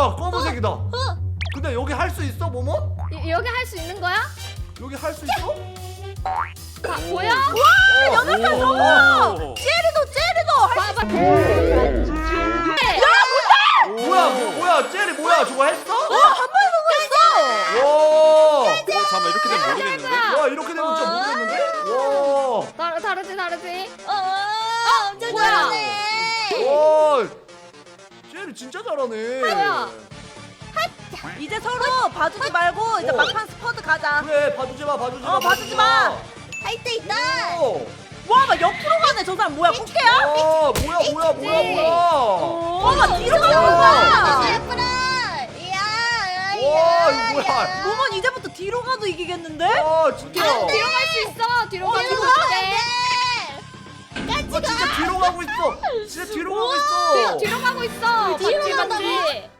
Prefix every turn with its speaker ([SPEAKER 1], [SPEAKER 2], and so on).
[SPEAKER 1] 뭐야 검은색이다. 근데 여기 할 수 있어 모모?
[SPEAKER 2] 여기 할 수 있는 거야?
[SPEAKER 1] 여기 할 수 있어?
[SPEAKER 2] 뭐야?
[SPEAKER 3] 와, 여덟 살 성공! 젤리도
[SPEAKER 2] 봐봐.
[SPEAKER 1] 뭐야 젤리 뭐야 저거 했어?
[SPEAKER 3] 한 번에 성공했어!
[SPEAKER 1] 와.
[SPEAKER 4] 잠깐만 이렇게 되면 모르겠는데?
[SPEAKER 1] 와 이렇게 되면 진짜 모르겠는데? 와.
[SPEAKER 2] 다르지.
[SPEAKER 3] 엄청
[SPEAKER 2] 뭐야?
[SPEAKER 3] 잘하네!
[SPEAKER 1] 와. 젤리 진짜 잘하네.
[SPEAKER 2] 뭐야?
[SPEAKER 3] 이제 서로 봐주지 말고 이제 막판 스쿼드 가자.
[SPEAKER 1] 그래 봐주지 마 봐주지 마.
[SPEAKER 3] 봐주지 마.
[SPEAKER 5] 할 때 있다.
[SPEAKER 3] 와, 막 옆으로 가네. 저 사람 뭐야? 꽃게야?
[SPEAKER 1] 와 뭐야.
[SPEAKER 3] 와, 막 뒤로 가는 거야.
[SPEAKER 5] 예쁘라. 이야.
[SPEAKER 1] 와 이거 뭐야?
[SPEAKER 3] 모몬 이제부터 뒤로 가도 이기겠는데?
[SPEAKER 1] 와 진짜.
[SPEAKER 2] 뒤로 갈 수 있어. 뒤로 가면
[SPEAKER 5] 뒤로
[SPEAKER 2] 어때?
[SPEAKER 1] 진짜 뒤로 가고 있어. 진짜 뒤로 가고 있어.
[SPEAKER 2] 뒤로 가고 있어.
[SPEAKER 5] 뒤로
[SPEAKER 2] 맞지
[SPEAKER 5] 간다고?
[SPEAKER 2] 맞지.